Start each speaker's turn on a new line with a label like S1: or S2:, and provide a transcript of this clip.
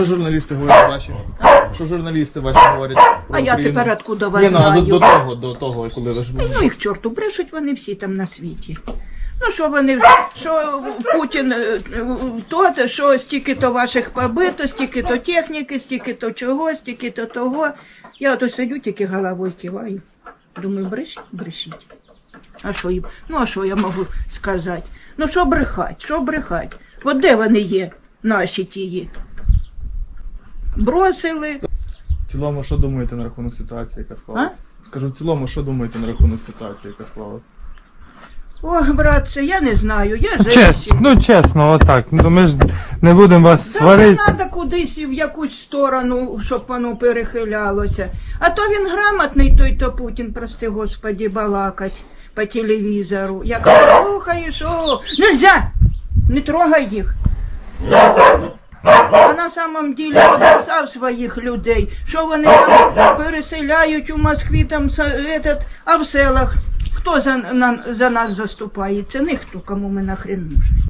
S1: Що журналісти говорять ваші? Що журналісти ваші говорять?
S2: А я тепер откуда вас
S1: Ні, ну,
S2: знаю?
S1: до того, коли ви ж були.
S2: Ну їх чорту, брешуть вони всі там на світі. Ну що вони, що Путін, то, що стільки-то ваших побито, стільки-то техніки, стільки-то чого, стільки-то того. Я ото сидю, тільки головою киваю. Думаю, брешіть, брешіть. А що їм? Ну а що я можу сказати? Ну що брехать, що брехать? От де вони є, наші тії? Бросили.
S1: В цілому, що думаєте на рахунок ситуації, яка склалася? Скажу, в цілому, що думаєте на рахунок ситуації, яка склалася?
S2: Ох, братце, я не знаю, я
S3: Чесно,
S2: женщина.
S3: ну чесно, отак. Ну ми ж не будемо вас
S2: Та не
S3: сварити.
S2: треба кудись в якусь сторону, щоб воно перехилялося. А то він грамотний, той то Путін, прости господи, балакать по телевізору. Як слухаєш, о, нельзя, не трогай їх. А на самом деле обрисав своїх людей, що вони там переселяють у Москві, там, а в селах. Хто за нас заступається? Ніхто, кому ми нахрен нужні.